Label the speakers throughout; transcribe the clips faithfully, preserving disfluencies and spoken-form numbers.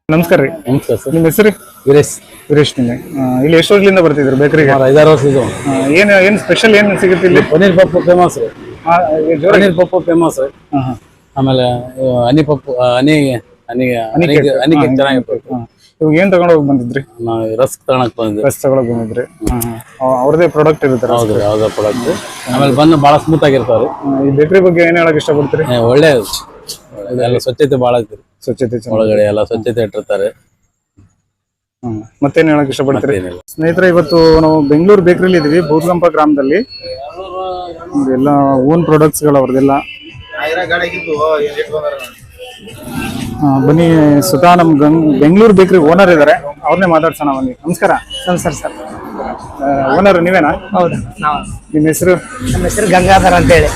Speaker 1: ನಮಸ್ಕಾರ ರೀ.
Speaker 2: ನಮಸ್ಕಾರ ಸರ್.
Speaker 1: ನಿಮ್ಮ ಹೆಸರು?
Speaker 2: ವೀರೇಶ್.
Speaker 1: ವೀರೇಶ್ ನಿನ್ನೆ ಇಲ್ಲಿ ಎಷ್ಟು ವರ್ಷದಿಂದ ಬರ್ತಿದ್ರು ಬೇಕರಿಗೆ?
Speaker 2: ಐದಾರು ವರ್ಷ ಇದು.
Speaker 1: ಏನು ಏನು ಸ್ಪೆಷಲ್ ಏನು ಸಿಗುತ್ತೆ ಇಲ್ಲಿ?
Speaker 2: ಪನ್ನೀರ್ ಪಪ್ಪು ಫೇಮಸ್ ರೀ. ಪನ್ನೀರ್ ಪಪ್ಪು ಫೇಮಸ್ ರೀ. ಆಮೇಲೆ ಹನಿ ಪಪ್ಪು ಹನಿ ಹನಿ ಹನಿ ಹನಿ ಕೇಕ್ ಚೆನ್ನಾಗಿರ್ತದೆ.
Speaker 1: ಇವಾಗ ಏನ್ ತಗೊಂಡ್ ಹೋಗಿ ಬಂದಿದ್ರಿ?
Speaker 2: ನಾವು ರಸ್ಕ್ ತಗೊಳಕ್ ಬಂದಿದ್ರಿ.
Speaker 1: ರಸ್ ತಗೊಳಕ್ ಬಂದಿದ್ರಿ. ಅವ್ರದೇ ಪ್ರಾಡಕ್ಟ್ ಇರುತ್ತೆ?
Speaker 2: ಹೌದ್ರಿ, ಯಾವ್ದೋ ಪ್ರಾಡಕ್ಟ್. ಆಮೇಲೆ ಬಂದು ಬಹಳ ಸ್ಮೂತ್ ಆಗಿರ್ತಾವ್ರಿ.
Speaker 1: ಈ ಬೇಕರಿ ಬಗ್ಗೆ ಏನ್ ಹೇಳಕ್ ಇಷ್ಟಪಡ್ತೀರಿ?
Speaker 2: ಒಳ್ಳೆ ಎಲ್ಲ ಸ್ವಚ್ಛತೆ ಬಹಳ ಐತ್ರಿ.
Speaker 1: ಸ್ವಚ್ಛತೆ
Speaker 2: ಒಳಗಡೆ ಎಲ್ಲ ಸ್ವಚ್ಛತೆ ಇಟ್ಟಿರ್ತಾರೆ.
Speaker 1: ಹ್ಮ್ ಮತ್ತೇನ್ ಹೇಳಕ್ ಇಷ್ಟಪಡ್ತೀರಿ?
Speaker 2: ಏನಿಲ್ಲ
Speaker 1: ಸ್ನೇಹಿತರೆ, ಇವತ್ತು ನಾವು ಬೆಂಗಳೂರು ಬೇಕರಿಲಿ ಇದೀವಿ, ಬೂದ್ಗಂಪ ಗ್ರಾಮದಲ್ಲಿ. ಎಲ್ಲ ಓನ್ ಪ್ರಾಡಕ್ಟ್ಸ್ ಗಳು ಅವ್ರದೆಲ್ಲ. ಬನ್ನಿ, ಸುಧಾ ನಮ್ ಗಂಗ್ ಬೆಂಗಳೂರು ಬೇಕರಿ ಓನರ್ ಇದಾರೆ, ಅವ್ರನ್ನೇ ಮಾತಾಡ್ಸೋಣ ಬನ್ನಿ. ನಮಸ್ಕಾರ.
Speaker 3: ನಮಸ್ಕಾರ ಸರ್.
Speaker 1: ಓನರ್ ನೀವೇನಾ?
Speaker 3: ಹೌದು, ನಾವು.
Speaker 1: ನಿಮ್ಮ ಹೆಸರು?
Speaker 3: ನಮ್ಮ ಹೆಸರು ಗಂಗಾಧರ್ ಅಂತ ಹೇಳಿ.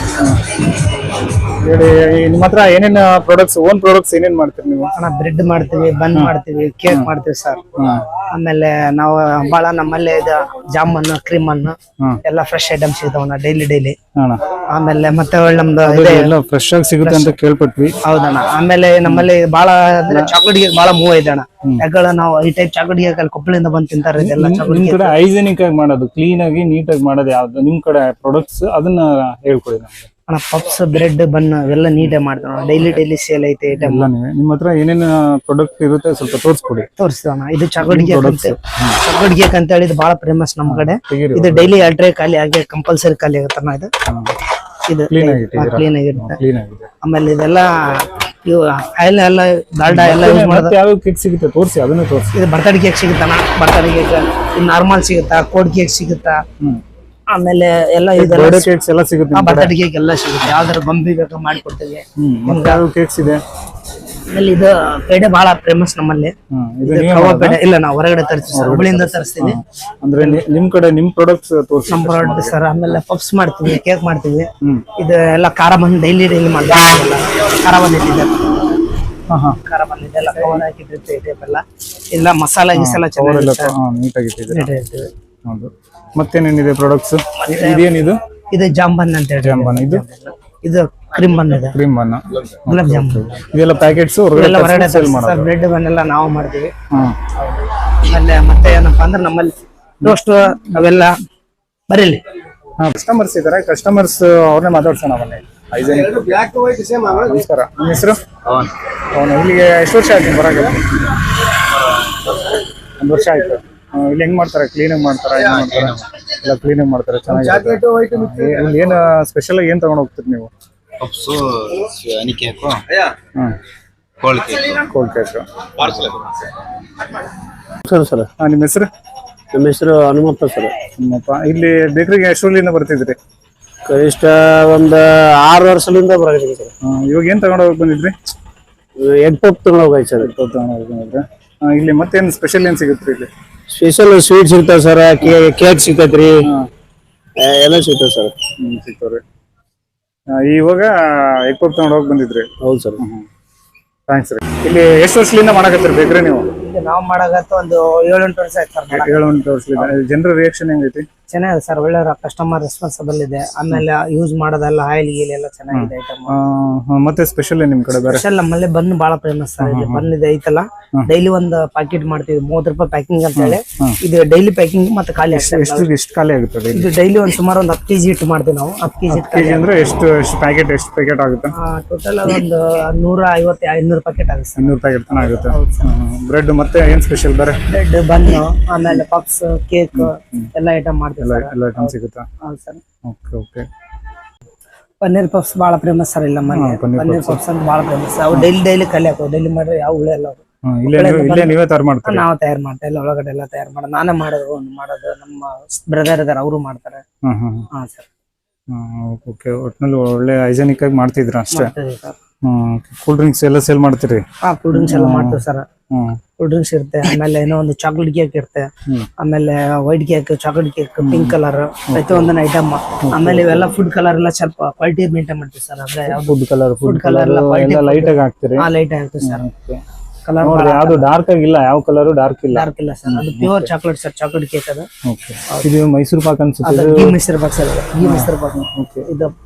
Speaker 1: ಹೇಳಿ, ನಿಮ್ಮ ಹತ್ರ ಏನೇನ್ ಪ್ರಾಡಕ್ಟ್ಸ್, ಓನ್ ಪ್ರಾಡಕ್ಟ್ಸ್ ಏನೇನ್ ಮಾಡ್ತೀರಿ ನೀವು?
Speaker 3: ಅಣ್ಣ, ಬ್ರೆಡ್ ಮಾಡ್ತೀವಿ, ಬನ್ ಮಾಡ್ತೀವಿ, ಕೇಕ್ ಮಾಡ್ತೀವಿ ಸರ್. ಆಮೇಲೆ ನಾವು ಬಹಳ ನಮ್ಮಲ್ಲಿ ಇದು ಜಾಮೂನ್, ಕ್ರೀಮ್ ಅನ್ನು ಎಲ್ಲ ಫ್ರೆಶ್ ಐಟಮ್ಸ್ ಸಿಗ್ತಾವಣ್ಣ ಡೈಲಿ ಡೈಲಿ. ಆಮೇಲೆ ಮತ್ತೆ ಒಳ್ಳೆ ನಮ್ದು
Speaker 1: ಎಲ್ಲ ಫ್ರೆಶ್ ಆಗಿ ಸಿಗುತ್ತೆ ಅಂತ ಕೇಳ್ಪಟ್ವಿ.
Speaker 3: ಹೌದಣ್ಣ. ಆಮೇಲೆ ನಮ್ಮಲ್ಲಿ ಬಹಳ ಅಂದ್ರೆ ಚಾಕ್ಲೇಟ್ ಕೇಕ್ ಬಹಳ ಮೂವ್ ಇದೆ ಅಣ್ಣ. ಯಾಕಂದ್ರೆ ನಾವು ಈ ಟೈಪ್ ಚಾಕ್ಲೇಟ್ ಕೇಕ್ ಅಲ್ಲಿ ಕೊಪ್ಪಳಿಂದ ಬಂದು ತಿಂತಾರೆ. ಇದೆಲ್ಲ
Speaker 1: ನಿಮ್ ಕಡೆ ಹೈಜೆನಿಕ್ ಆಗಿ ಮಾಡೋದು, ಕ್ಲೀನ್ ಆಗಿ ನೀಟಾಗಿ ಮಾಡೋದು ಯಾವ್ದು ನಿಮ್ ಕಡೆ ಪ್ರಾಡಕ್ಟ್ಸ್, ಅದನ್ನ ಹೇಳ್ಕೊಡಿ ನಮ್ಗೆ.
Speaker 3: ಅಣ್ಣ, ಪಪ್ಸ್, ಬ್ರೆಡ್, ಬನ್ ಎಲ್ಲ ನೀಟಾಗಿ ಮಾಡ್ತಾವ. ಡೈಲಿ ಡೈಲಿ ಸೇಲ್ ಐತೆ ಐಟಮ್.
Speaker 1: ನಿಮ್ಮ ಹತ್ರ ಏನೇನ್ ಪ್ರಾಡಕ್ಟ್ ಇರುತ್ತೆ ಸ್ವಲ್ಪ ತೋರಿಸ್ಕೊಡಿ.
Speaker 3: ತೋರಿಸ್ತೀವಣ್ಣ. ಇದು ಚಾಕ್ಲೇಟ್ ಕೇಕ್ ಅಂತ, ಚಾಕ್ಲೇಟ್ ಕೇಕ್ ಅಂತ ಹೇಳಿ ಇದು ಬಹಳ ಫೇಮಸ್ ನಮ್ ಕಡೆ. ಇದು ಡೈಲಿ ಎರಡು ಟ್ರೇ ಖಾಲಿ ಆಗಿ ಕಂಪಲ್ಸರಿ ಖಾಲಿ ಆಗುತ್ತಣ್ಣ. ಇದು ಇದು ಕ್ಲೀನ್ ಆಗಿರುತ್ತೆ. ಆಮೇಲೆ ಇದೆಲ್ಲ ಇವು ಆಯಿಲ್ ಎಲ್ಲ ಡಾಲ್ಡಾ ಎಲ್ಲ ಯೂಸ್ ಮಾಡೋದು.
Speaker 1: ಯಾವ ಕೇಕ್ ಸಿಗುತ್ತೆ ತೋರಿಸಿ, ಅದನ್ನ ತೋರಿಸಿ.
Speaker 3: ಇದು ಬರ್ತಡೇ ಕೇಕ್ ಸಿಗುತ್ತಣ್ಣ, ಬರ್ತಡೇ ಕೇಕ್. ಇದು ನಾರ್ಮಲ್ ಸಿಗುತ್ತಾ, ಕೋಡ್ ಕೇಕ್ ಸಿಗುತ್ತಾ, ಆಮೇಲೆ ಎಲ್ಲ
Speaker 1: ಬರ್ತ್ಡೇ ಕೇಕ್ಸ್ ಎಲ್ಲ ಸಿಗುತ್ತೆ.
Speaker 3: ಬರ್ತಡೇ ಕೇಕ್ ಎಲ್ಲ ಸಿಗುತ್ತೆ. ಯಾವ್ದಾರು ಗೊಂಬಿ ಬೇಕಾ ಮಾಡ್ಕೊಡ್ತೀವಿ.
Speaker 1: ಯಾವ ಕೇಕ್ಸ್ ಇದೆ?
Speaker 3: ಆಮೇಲೆ ಇದು ಪೇಡೆ ಬಹಳ ಫೇಮಸ್ ನಮ್ಮಲ್ಲಿ. ಕವಾ ಪೇಡೆ ಇಲ್ಲ, ನಾವು ಹೊರಗಡೆ ತರಿಸ್ತೀವಿ, ಹುಬ್ಳಿಯಿಂದ ತರಿಸ್ತೀವಿ.
Speaker 1: ಅಂದ್ರೆ ನಿಮ್ ಕಡೆ ನಿಮ್ ಪ್ರಾಡಕ್ಟ್ಸ್ ತೋರಿಸಿ.
Speaker 3: ನಮ್ ಪ್ರಾಡಕ್ಟ್ ಸರ್. ಆಮೇಲೆ ಪಪ್ಸ್ ಮಾಡ್ತೀವಿ, ಕೇಕ್ ಮಾಡ್ತೀವಿ. ಇದು ಎಲ್ಲ ಖಾರ ಬಂದು ಡೈಲಿ ಡೈಲಿ ಮಾಡ್ತೀವಿ. ಖಾರ ಬಂದಿದೆ, ಖಾರ ಬಂದಿದೆ, ಎಲ್ಲ ಕವರ್ ಹಾಕಿದ್ರೆ ಟೈಪ್ ಎಲ್ಲ ಇಲ್ಲ. ಮಸಾಲ ಗಿಸಾಲ ಚೆನ್ನಾಗಿರುತ್ತೆ,
Speaker 1: ನೀಟಾಗಿಟ್ಟಿದೆ. ಹೌದು. ಮತ್ತೇನೇನಿದೆ ಪ್ರಾಡಕ್ಟ್ಸ್? ಇದೇನಿದು?
Speaker 3: ಇದು ಜಾಂಬನ್ ಅಂತ ಹೇಳಿ.
Speaker 1: ಜಾಂಬನ್. ಇದು
Speaker 3: ಇದು ಕ್ರೀಮ್ ಬನ್ ಇದೆ,
Speaker 1: ಕ್ರೀಮ್ ಬನ್,
Speaker 3: ಗುಲಾಬ್ ಜಾಮೂನ್.
Speaker 1: ಇದೆಲ್ಲ ಪ್ಯಾಕೆಟ್ಸ್
Speaker 3: ಎಲ್ಲ ಹೊರಗಡೆ ಸೇಲ್ ಮಾಡ್ತೀವಿ. ಬ್ರೆಡ್ ಬನ್ ಎಲ್ಲ ನಾವು ಮಾಡ್ತೀವಿ. ಆಮೇಲೆ ಮತ್ತೆ ಏನಪ್ಪಾ ಅಂದ್ರೆ ನಮ್ಮಲ್ಲಿ ಟೋಸ್ಟ್ ಅವೆಲ್ಲ ಬರೀಲಿ.
Speaker 1: ಕಸ್ಟಮರ್ಸ್ ಇದಾರೆ, ಕಸ್ಟಮರ್ಸ್ ಅವ್ರನ್ನೇ ಮಾತಾಡ್ಸೋಣ ಬನ್ನಿ. ನಮಸ್ಕಾರ, ನಿಮ್ಮ ಹೆಸರು? ಅವನು ಇಲ್ಲಿಗೆ ಎಷ್ಟು ವರ್ಷ ಆಯ್ತು ಬರಾಗ? ಒಂದು ವರ್ಷ ಆಯ್ತು. ಇಲ್ಲಿ ಹೆಂಗ್ ಮಾಡ್ತಾರೆ? ಕ್ಲೀನಾಗಿ ಮಾಡ್ತಾರ? ಏನ್ ಮಾಡ್ತಾರೆ? ಎಲ್ಲ ಕ್ಲೀನಾಗಿ ಮಾಡ್ತಾರೆ, ಚೆನ್ನಾಗಿ. ಇಲ್ಲಿ ಏನ್ ಸ್ಪೆಷಲ್ ಆಗಿ ಏನ್ ತಗೊಂಡ್ ಹೋಗ್ತೀರಿ ನೀವು?
Speaker 4: Puffs, honey cake,
Speaker 1: hmm,
Speaker 4: cold cake.
Speaker 1: Cold cake.
Speaker 2: Sir sir
Speaker 1: ನಿಮ್ಮ ಹೆಸರು?
Speaker 2: ನಮ್ಮ ಹೆಸರು ಹನುಮಪ್ಪ ಸರ್.
Speaker 1: ನಿಮ್ಮಪ್ಪ ಇಲ್ಲಿ ಬೇಕರಿಗೆ ಎಷ್ಟು ವರ್ಷದಿಂದ ಬರ್ತಿದ್ರಿ?
Speaker 2: ಕನಿಷ್ಠ ಒಂದ್ ಆರು ವರ್ಷದಿಂದ ಬರಾಗಿದೆ ಸರ್.
Speaker 1: ಇವಾಗ ಏನ್ ತಗೊಂಡ್ ಹೋಗಿ ಬಂದಿದ್ರಿ?
Speaker 2: ಎಗ್ ಪಪ್ ತಗೊಂಡ್ ಹೋಗಾಯ್ತು ಸರ್.
Speaker 1: ತಗೊಂಡ್ ಹೋಗಿ ಬಂದಿದ್ರೆ ಇಲ್ಲಿ ಮತ್ತೇನ್ ಸ್ಪೆಷಲ್ ಏನ್ ಸಿಗುತ್ತೆ ಇಲ್ಲಿ?
Speaker 2: ಸ್ಪೆಷಲ್ ಸ್ವೀಟ್ ಸಿಗ್ತಾವ ಸರ್, ಕೇಕ್ ಸಿಗ್ತೈತ್ರಿ, ಎಲ್ಲ ಸಿಗ್ತಾವ ಸರ್.
Speaker 1: ಹ್ಮ್, ಸಿಗ್ತಾವ್ರಿ. ಇವಾಗ ಎಗ್ ಪಪ್ ತಗೊಂಡ್ ಹೋಗಿ ಬಂದಿದ್ರಿ?
Speaker 2: ಹೌದು ಸರ್.
Speaker 1: ಥ್ಯಾಂಕ್ಸ್ ರೀ. ಇಲ್ಲಿ ಎಷ್ಟು ವರ್ಷದಿಂದ ಮಾಡಕತ್ತೀರಿ ಬೇಕ್ರಿ ನೀವು?
Speaker 3: ನಾವು ಮಾಡಾಗತ್ತ ಒಂದು ಏಳೆಂಟು ವರ್ಷ ಆಯ್ತು ಸರ್.
Speaker 1: ಏಳು ಎಂಟು ವರ್ಷದಿಂದ. ಜನರ ರಿಯಾಕ್ಷನ್ ಹೆಂಗೈತಿ?
Speaker 3: ಚೆನ್ನಾಗಿದೆ ಸರ್, ಒಳ್ಳೆ ಕಸ್ಟಮರ್ ರೆಸ್ಪಾನ್ಸಿಬಲ್ ಇದೆ. ಆಮೇಲೆ ಯೂಸ್ ಮಾಡೋದೆಲ್ಲ ಆಯಿಲ್ ಗೀಲ್ ಎಲ್ಲ ಚೆನ್ನಾಗಿದೆ ಐಟಮ್.
Speaker 1: ಮತ್ತೆ ಸ್ಪೆಷಲ್ ನಿಮ್ ಕಡೆ ಬೇರೆ?
Speaker 3: ಸ್ಪೆಷಲ್ ನಮ್ಮಲ್ಲಿ ಬನ್ ಬಹಳ ಫೇಮಸ್ ಸರ್. ಇದೆ ಬನ್ ಇದೆ ಐತಲ್ಲ, ಡೈಲಿ ಒಂದು ಪ್ಯಾಕೆಟ್ ಮಾಡ್ತೀವಿ, ಮೂವತ್ತು ರೂಪಾಯಿ ಪ್ಯಾಕಿಂಗ್ ಅಂತ ಹೇಳಿ. ಇದು ಡೈಲಿ ಪ್ಯಾಕಿಂಗ್ ಮತ್ತೆ ಖಾಲಿ ಆಗ್ತದೆ.
Speaker 1: ಎಷ್ಟು ಎಷ್ಟು ಖಾಲಿ ಆಗುತ್ತೆ?
Speaker 3: ಇದು ಡೈಲಿ ಒಂದ್ ಸುಮಾರು ಒಂದು ಹತ್ತು ಕೆಜಿ ಇಟ್ಟು ಮಾಡ್ತೀವಿ ನಾವು. ಹತ್ತು ಕೆಜಿ
Speaker 1: ಕೆಜಿ ಅಂದ್ರೆ ಎಷ್ಟು ಎಷ್ಟು ಪ್ಯಾಕೆಟ್ ಎಷ್ಟು ಪ್ಯಾಕೆಟ್ ಆಗುತ್ತೆ?
Speaker 3: ಟೋಟಲ್ ಒಂದು ನೂರ ಐವತ್ತು ಐನೂರು ಪ್ಯಾಕೆಟ್ ಆಗುತ್ತೆ ಸರ್.
Speaker 1: ಇನ್ನೂರು ಪ್ಯಾಕೆಟ್ ತನ ಆಗುತ್ತೆ. ಬ್ರೆಡ್ ಮತ್ತೆ ಏನ್ ಸ್ಪೆಷಲ್ ಬೇರೆ?
Speaker 3: ಬ್ರೆಡ್, ಬನ್, ಆಮೇಲೆ ಪಪ್ಸ್, ಕೇಕ್ ಎಲ್ಲ ಐಟಮ್ ಮಾಡ್ತೀವಿ.
Speaker 1: ಎಲ್ಲ ಐಟಮ್ ಸಿಗುತ್ತಾ?
Speaker 3: ಹೌದು sir.
Speaker 1: Okay okay.
Speaker 3: Paneer puffs ಬಹಳ ಫೇಮಸ್ ಸರ್ ಇಲ್ಲ ಮನೆ. ಪನ್ನೀರ್ ಪಫ್ಸ್ ಅಂತ ಬಹಳ ಫೇಮಸ್. ಅವು ಡೈಲಿ ಡೈಲಿ ಖಾಲಿ ಹಾಕೋ, ಡೈಲಿ ಮಾಡ್ರೆ ಯಾವ ಉಳಿಯಲ್ಲ.
Speaker 1: ಇಲ್ಲೇ ನೀವೇ ತಯಾರು ಮಾಡ್ತಾರೆ?
Speaker 3: ನಾವು ತಯಾರು ಮಾಡ್ತಾ ಇಲ್ಲ, ಒಳಗಡೆ ಎಲ್ಲ ತಯಾರು ಮಾಡೋದು ನಾನೇ ಮಾಡೋದು. ಒಂದು ಮಾಡೋದು ನಮ್ಮ ಬ್ರದರ್ ಇದಾರೆ, ಅವರು ಮಾಡ್ತಾರೆ. ಹಾ ಸರ್.
Speaker 1: ಓಕೆ. ಒಟ್ನಲ್ಲಿ ಒಳ್ಳೆ ಹೈಜೆನಿಕ್ ಆಗಿ ಮಾಡ್ತಿದ್ರ ಅಷ್ಟೇ. ಕೂಲ್ ಡ್ರಿಂಕ್ಸ್ ಎಲ್ಲ ಸೇಲ್ ಮಾಡ್ತೀರಿ?
Speaker 3: ಹಾ, ಕೂಲ್ ಡ್ರಿಂಕ್ಸ್ ಎಲ್ಲ ಮಾಡ್ತೀವಿ ಸರ್. ಕೂಲ್ ಡ್ರಿಂಕ್ಸ್ ಇರುತ್ತೆ, ಆಮೇಲೆ ಏನೋ ಒಂದು ಚಾಕ್ಲೇಟ್ ಕೇಕ್ ಇರುತ್ತೆ, ಆಮೇಲೆ white cake, chocolate cake, pink colour ಪ್ರತಿಯೊಂದೊಂದು ಐಟಮ್. ಆಮೇಲೆ ಇವೆಲ್ಲ ಫುಡ್ ಕಲರ್ ಎಲ್ಲ ಸ್ವಲ್ಪ ಕ್ವಾಲಿಟಿ ಮೇಂಟೈನ್ ಮಾಡ್ತೀವಿ ಸರ್. ಅಂದ್ರೆ
Speaker 1: food colour food colour light ಆಗಿ ಹಾಕ್ತೀರಿ?
Speaker 3: ಹಾ, ಲೈಟ್ ಹಾಕ್ತೀವಿ ಸರ್.
Speaker 1: ಕಲರ್ ಯಾವ್ದು ಡಾರ್ಕ್ ಆಗಿಲ್ಲ? ಯಾವ ಕಲರ್ ಡಾರ್ಕ್ ಇಲ್ಲ?
Speaker 3: ಡಾರ್ಕ್ ಇಲ್ಲ ಸರ್, ಅದು pure chocolate sir, chocolate cake ಅದು.
Speaker 1: ಓಕೆ. ಇದು ಮೈಸೂರು ಪಾಕ್ ಅನ್ಸುತ್ತೆ?
Speaker 3: ಘೀ ಮೈಸೂರು ಪಾಕ್ ಸರ್, ಘೀ ಮೈಸೂರು ಪಾಕ್. ಇದು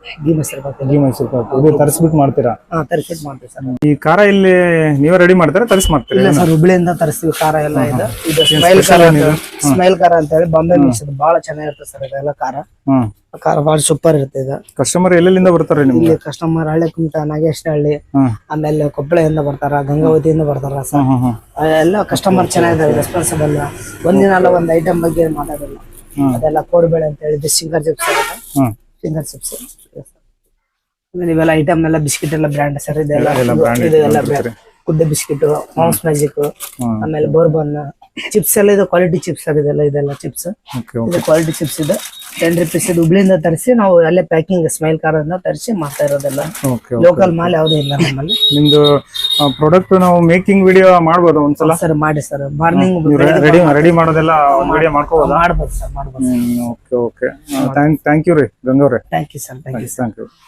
Speaker 3: ಗೀ ಮೊಸರು ಬಾತ್
Speaker 1: ಗೀ ಮೈಸೂರು ಪಾಕ್ ಇದು ತರಿಸ್ಬಿಟ್ಟು ಮಾಡ್ತೀರಾ?
Speaker 3: ಹಾ ತರಿಸ್ಬಿಟ್ಟು ಮಾಡ್ತೀವಿ ಸರ್.
Speaker 1: ಈ ಖಾರ ಇಲ್ಲಿ ನೀವೇ ರೆಡಿ ಮಾಡ್ತೀರಾ ತರಿಸಿ ಮಾಡ್ತೀರಾ?
Speaker 3: ಇಲ್ಲ ಸರ್, ಹುಬ್ಳಿಯಿಂದ ತರಿಸ್ತೀವಿ ಖಾರ ಎಲ್ಲ ಇದು. ಇದು ಸ್ಮೈಲ್ ಖಾರ ಅಂತ ಸ್ಮೈಲ್ ಖಾರ ಅಂತ ಹೇಳಿ ಬಾಂಬೆ ಮಿಕ್ಸ್ ಬಹಳ ಚೆನ್ನಾಗಿರುತ್ತೆ ಸರ್ ಇದೆಲ್ಲ ಖಾರ.
Speaker 1: ಹ್ಮ್
Speaker 3: ಖಾರ ಬಹಳ ಸೂಪರ್ ಇರುತ್ತೆ ಇದು.
Speaker 1: ಕಸ್ಟಮರ್ ಎಲ್ಲೆಲ್ಲಿಂದ ಬರ್ತಾರೆ ನಿಮ್ಗೆ?
Speaker 3: ಇಲ್ಲಿ ಕಸ್ಟಮರ್ ಹಳ್ಳಿ ಕುಮಟ, ನಾಗೇಶನಹಳ್ಳಿ,
Speaker 1: ಹ್ಮ್
Speaker 3: ಆಮೇಲೆ ಕೊಪ್ಪಳೆಯಿಂದ ಬರ್ತಾರ, ಗಂಗಾವತಿಯಿಂದ ಬರ್ತಾರ ಸರ್.
Speaker 1: ಹ್ಮ್ ಹ್ಮ್
Speaker 3: ಎಲ್ಲ ಕಸ್ಟಮರ್ ಚೆನ್ನಾಗಿದ್ದಾರೆ, ರೆಸ್ಪಾನ್ಸಿಬಲ್. ಒಂದಿನ ಅಲ್ಲ ಒಂದ್ ಐಟಮ್ ಬಗ್ಗೆ ಮಾತಾಡಿಲ್ಲ. ಅದೆಲ್ಲ ಕೋಡ್ಬೇಳೆ ಅಂತ ಹೇಳಿದ್ದು singer chips
Speaker 1: hmm
Speaker 3: finger chips. ಆಮೇಲೆ ಇವೆಲ್ಲ ಐಟಮ್ ಎಲ್ಲ ಬಿಸ್ಕಿಟ್ ಎಲ್ಲ ಬ್ರ್ಯಾಂಡ್ ಸರ್. ಇದೆಲ್ಲ
Speaker 1: ಎಲ್ಲ brand
Speaker 3: ಇದೆಲ್ಲ brand. Good day biscuit, Mom's Magic, ಆಮೇಲೆ ಬೋರ್ಬನ್ ಚಿಪ್ಸ್ ಎಲ್ಲ ಇದು ಕ್ವಾಲಿಟಿ ಚಿಪ್ಸ್ ಸರ್. ಇದೆಲ್ಲ ಇದೆಲ್ಲ ಚಿಪ್ಸ್
Speaker 1: ಓಕೆ
Speaker 3: ಇದು ಕ್ವಾಲಿಟಿ ಚಿಪ್ಸ್ ಇದೆ. ಟೆನ್ ರುಪೀಸ್ ಇದು ಹುಬ್ಳಿಯಿಂದ ತರಿಸಿ ನಾವು ಅಲ್ಲೇ ಪ್ಯಾಕಿಂಗ್ ಸ್ಮೈಲ್ ಕಾರಿಂದ ತರಿಸಿ ಮಾಡ್ತಾ ಇರೋದೆಲ್ಲ.
Speaker 1: ಓಕೆ
Speaker 3: ಲೋಕಲ್ ಮಾಲ್ ಯಾವುದೇ ಇಲ್ಲ ನಮ್ಮಲ್ಲಿ.
Speaker 1: ನಿಮ್ದು ಪ್ರಾಡಕ್ಟ್ ನಾವು ಮೇಕಿಂಗ್ ವಿಡಿಯೋ ಮಾಡ್ಬೋದು ಒಂದ್ಸಲ?
Speaker 3: ಸರ್ ಮಾಡಿ ಸರ್, ಮಾರ್ನಿಂಗ್
Speaker 1: ರೆಡಿ ರೆಡಿ ಮಾಡೋದೆಲ್ಲ ವಿಡಿಯೋ ಮಾಡ್ಕೋಬೋದಾ?
Speaker 3: ಮಾಡ್ಬೋದು ಸರ್, ಮಾಡ್ಬೋದು.
Speaker 1: Okay okay thank thank you ರೀ ಗಂಗವ್ರೆ.
Speaker 3: Thank you sir, thank you.
Speaker 1: Thank you.